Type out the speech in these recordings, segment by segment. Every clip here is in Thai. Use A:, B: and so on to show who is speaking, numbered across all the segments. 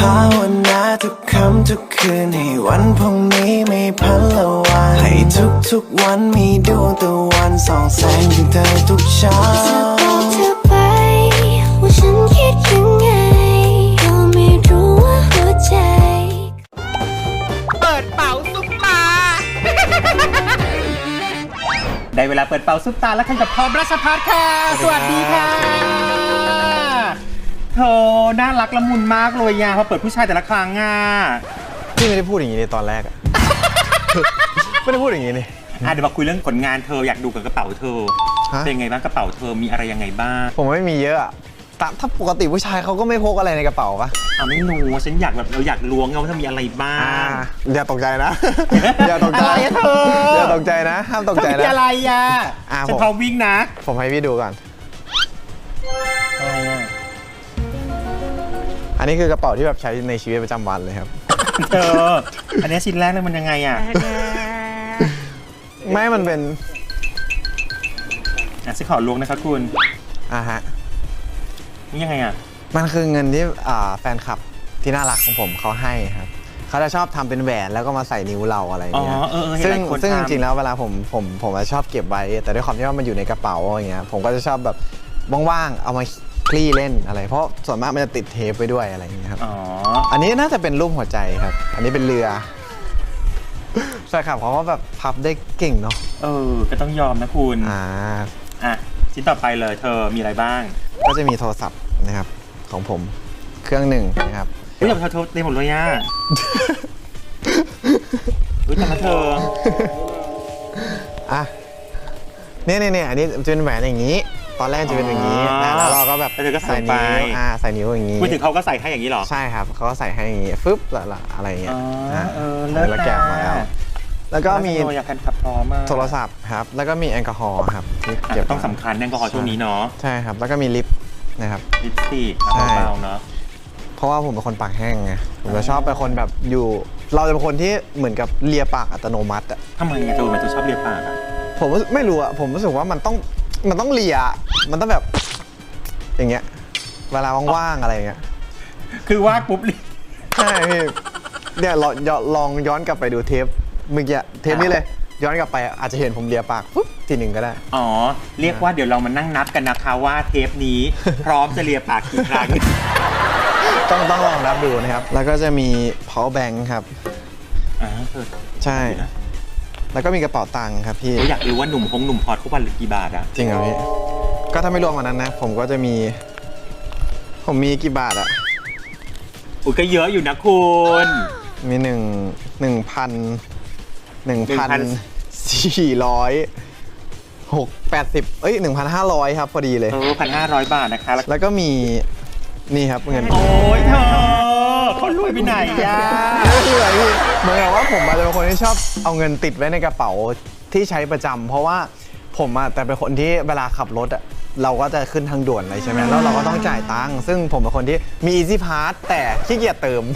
A: าวนาทุกคำทุกคืนให้วันพรุ่งนี้ไม่พันละวันให้ทุกวันมีดวงตะวันส่องแสงถึงเธอทุกเช้า
B: จะบอกเธอไปว่าฉันคิดยังไงก็ไม่รู้ว่าหัวใจ
C: เปิดเป๋าซุปตา ได้เวลาเปิดเป๋าซุปตาแล้วกันกับพร้อมราชพัฒน์ค่ะสวัสดีค่ะเธอน่ารักละมุนมากเลยยาพอเปิดผู้ชายแต่ละครั้งอ่ะ
D: พี่ไม่ได้พูดอย่างนี้ในตอนแรกอะ ไม่ได้พูดอย่างนี้นี่
C: เดี๋ยวมาคุยเรื่องผลงานเธออยากดูกับกระเป๋าเธอเป็นไงบ้างกระเป๋าเธอมีอะไรยังไงบ้าง
D: ผมไม่มีเยอะอะถ้าปกติผู้ชายเขาก็ไม่พกอะไรในกระเป๋าปะ
C: ไม่รู้ฉันอยากแบบเราอยากล้วงว่าถ้ามีอะไรบ้าง
D: อย่าตกใจนะ อย่าตกใจ
C: อะไรเธอ
D: อย่าตกใจนะห้ามตกใจนะ
C: มีอะไรอ่ะฉันพร้อมวิ่งนะ
D: ผมให้พี่ดูก่อนอันนี้คือกระเป๋าที่แบบใช้ในชีวิตประจำวันเลยครับ
C: เธออันนี้ชิ้นแรกเลยมันยังไงอ่ะ
D: ไม่มันเป็น
C: ฉันขอล้วงนะครับคุณ
D: ฮะ
C: นี่ยังไงอ่ะ
D: มันคือเงินที่แฟนคลับที่น่ารักของผมเขาให้ครับเขาจะชอบทำเป็นแหวนแล้วก็มาใส่นิ้วเราอะไรอย่างเงี้ยซึ่งจริงๆแล้วเวลาผมชอบเก็บไว้แต่ด้วยความที่ว่ามันอยู่ในกระเป๋าอย่างเงี้ยผมก็จะชอบแบบว่างๆเอามาคลี่เล่นอะไรเพราะส่วนมากมันจะติดเทปไปด้วยอะไรอย่างเงี้ยครับอันนี้น่าจะเป็นรูปหัวใจครับอันนี้เป็นเรือใช่ครับเพราะว่าแบบพับได้เก่งเนาะ
C: ก็ต้องยอมนะคุณชิ้นต่อไปเลยเธอมีอะไรบ้าง
D: ก็จะมีโทรศัพท์นะครับของผมเครื่องหนึ่งนะครับ
C: อย่าเธอเต็มหมดเลยย่าทำไมเธอ
D: เนี่ยอันนี้จะเป็นแหวนอย่างนี้ตอนแรกจะเป็นอย่างนี้แล้วเราก็แบบ
C: ใส่นิ้ว
D: ใส่นิ้วอย่างนี้
C: พูดถึงเขาก็ใส่ให้อย่างนี้หรอ
D: ใช่ครับเขาก็ใส่ให้อย่างนี้ฟึบอะไรอย่างเงี้ยแล้วแกะมาแล้วก็มีโทรศัพท์ครับแล้วก็มีแอลกอฮอล์ครับ
C: ต้องสำคัญแอลกอฮอล์ช่วงนี้เนาะ
D: ใช่ครับแล้วก็มีลิปนะครับ
C: ลิปสติกเบาๆเนาะ
D: เพราะว่าผมเป็นคนปากแห้งไงผมจะชอบเป็นคนแบบอยู่เราจะเป็นคนที่เหมือนกับเลียปากอัตโนมัติ
C: ทำไมเธอชอบเลียปาก
D: ผมไม่รู้ผมรู้สึกว่ามันต้องเลียมันต้องแบบอย่างเงี้ยเวลาว่างๆอะไรเงี้ย
C: คือว่างปุ๊บเลีย
D: ใช่พี่เนี่ยลองย้อนกลับไปดูเทปเมื่อกี้เทปนี้เลยย้อนกลับไปอาจจะเห็นผมเลียปากปุ๊บทีหนึ่งก็ได้
C: เรียกว่าเดี๋ยวเรามานั่งนับกันนะคะว่าเทปนี้พร้อมจะเลียปากกี่ครั้ง
D: ต้องลองนับดูนะครับแล้วก็จะมี power bank ครับใช่แล้วก็มีกระเป๋าตังค์ครับพี่
C: อยากรู้ว่าหนุ่มพอดเขาวันหรือกี่บาทอะ
D: จริงเหรอพี่ก็ถ้าไม่รวมวันนั้นนะผมก็จะมีกี่บาทอะ
C: ก็เยอะอยู่นะคุณ
D: มี1,480 1,500ครับพอดีเลย
C: 1,500 บาทนะคะ
D: แล้วก็มีนี่ครับเงิน
C: โอ้ยเธอเขารวยไปไหนย่า
D: ที่ไหนพี่เหมือนกับว่าผมจะเป็นคนที่ชอบเอาเงินติดไว้ในกระเป๋าที่ใช้ประจำเพราะว่าผมแต่เป็นคนที่เวลาขับรถเราก็จะขึ้นทางด่วนอะไรใช่ไหมแล้วเราก็ต้องจ่ายตังค์ซึ่งผมเป็นคนที่มี Easy Pass แต่ขี้เกียจเติม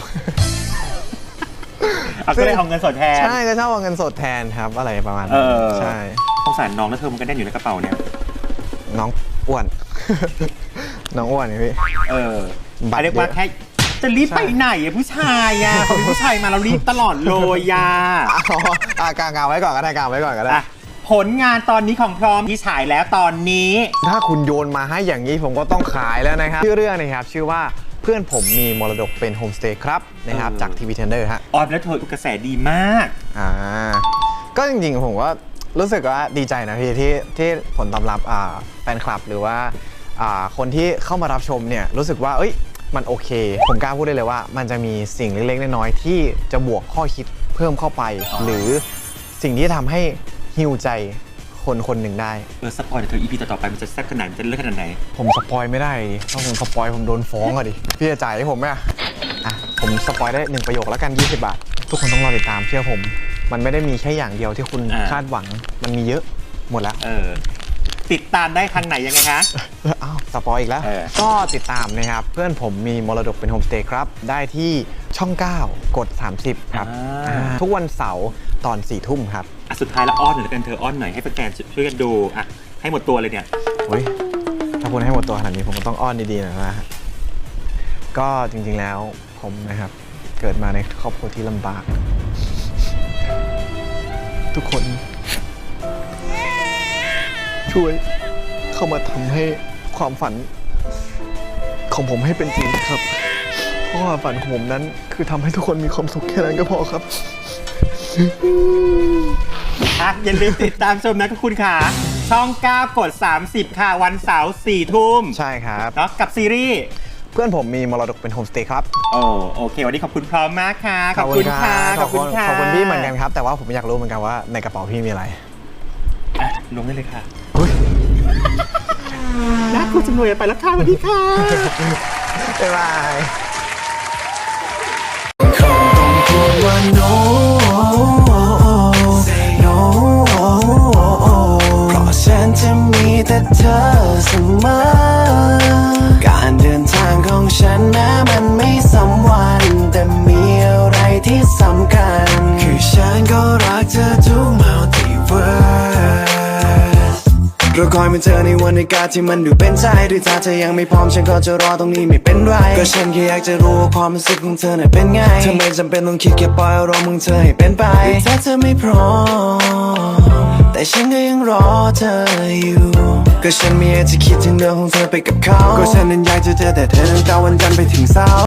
C: ก็เลยเอาเงินสดแทน
D: ใช่ก็ชอบเอาเงินสดแทนครับอะไรประมาณนั้นใช่
C: สงสารน้องแล้วเธอมันก็แน่นอยู่ในกระเป๋าเนี่ย
D: น้องอ้วนน้องอ้วนนี่พี่
C: เรียกว่าแค่จะรีบไปไหนผู้ชายพอมีผู้ชายมาเรารีบตลอดเลย
D: กางไว้ก่อนก็ได้กางไว้ก่อนก็ได้
C: ผลงานตอนนี้ของพร้อมที่ฉายแล้วตอนนี้
D: ถ้าคุณโยนมาให้อย่างนี้ผมก็ต้องขายแล้วนะครับชื่อเรื่องนะครับชื่อว่าเพื่อนผมมีมรดกเป็นโฮมสเตย์ครับนะครับจากทีวีเทนเดอร์ฮะ
C: แล้วเธอกระแสดีมาก
D: ก็จริงๆผมว่ารู้สึกว่าดีใจนะพี่ที่ผลตอบรับแฟนคลับหรือว่าคนที่เข้ามารับชมเนี่ยรู้สึกว่ามันโอเคผมกล้าพูดได้เลยว่ามันจะมีสิ่งเล็กๆน้อยๆที่จะบวกข้อคิดเพิ่มเข้าไปหรือสิ่งที่ทำให้ฮิวใจคนหนึ่งได้
C: สปอยเธอ EP ต่อไปมันจะแซ่บขนาดจะเลิศขนาดไหน
D: ผมสปอยไม่ได้ถ้าผมสปอยผมโดนฟ้องดิพี่จะจ่ายให้ผมไหมผมสปอยได้1 ประโยคแล้วกัน20 บาททุกคนต้องรอติดตามเชื่อผมมันไม่ได้มีแค่อย่างเดียวที่คุณคาดหวังมันมีเยอะหมดแล้ว
C: ติดตามได้ทางไหนยังไงคะ
D: สปอยอีกแล้วก็ติดตามนะครับเพื่อนผมมีมรดกเป็นโฮมสเตย์ครับได้ที่ช่อง9กด30ครับทุกวันเสาร์ตอน4 ทุ่มครับ
C: สุดท้ายแล้วอ้อนหน่อยกันเธออ้อนหน่อยให้แฟนๆช่วยกันดูให้หมดตัวเลยเนี่ย
D: ถ้าคุณให้หมดตัวขนาดนี้ผมก็ต้องอ้อนดีๆหน่อยนะก็จริงๆแล้วผมนะครับ เกิดมาในครอบครัวที่ลำบาก ทุกคน ช่วยเข้ามาทำให้ความฝันของผมให้เป็นจริงครับ เพราะความฝันของผมนั้นคือทำให้ทุกคนมีความสุขแค่นั้นก็พอครับ
C: อย่าลืมติดตามชมนะคุณขาช่อง 9 กด 30 ค่ะ วันเสาร์ 4 ทุ่ม
D: ใช่ครับ
C: เนาะกับซีรีส์
D: เพื่อนผมมีมรดกเป็นโฮมสเตย์ครับ
C: โอเค วันนี้ขอบคุณพร้อมมากค่ะ ขอบคุณค่ะ
D: ขอบคุณพี่เหมือนกันครับ แต่ว่าผมอยากรู้เหมือนกันว่าในกระเป๋าพี่มีอะไร
C: ลงได้เลยค่ะน่ากลัวจังเลยไปแล้วค่ะสวัสดีค่ะ
D: บ๊ายบาย
A: คงต้องพูดว่า no no เพราะฉันจะมีแต่เธอเสมอการเดินทางของฉันนะมันไม่สำวัน แต่มีอะไรที่สำคัญ คือฉันก็รักเธอทุก multiverse เราคอยมาเจอในวันในการที่มันดูเป็นใจหรือถ้าเธอยังไม่พร้อมฉันก็จะรอตรงนี้ไม่เป็นไรก็ฉันแค่อยากจะรู้ว่าความรู้สึกของเธอน่ะเป็นไงเธอไม่จำเป็นต้องคิดแค่ปล่อยอารมณ์ของเธอให้เป็นไปหรือถ้าเธอไม่พร้อมแต่ฉันก็ยังรอเธออยู่ก็ฉันไม่อยากจะคิดถึงเรื่องของเธอไปกับเขาก็ฉันนั้นอยากจะเจอแต่เธอตั้งแต่วันจันทร์ไปถึงเสาร์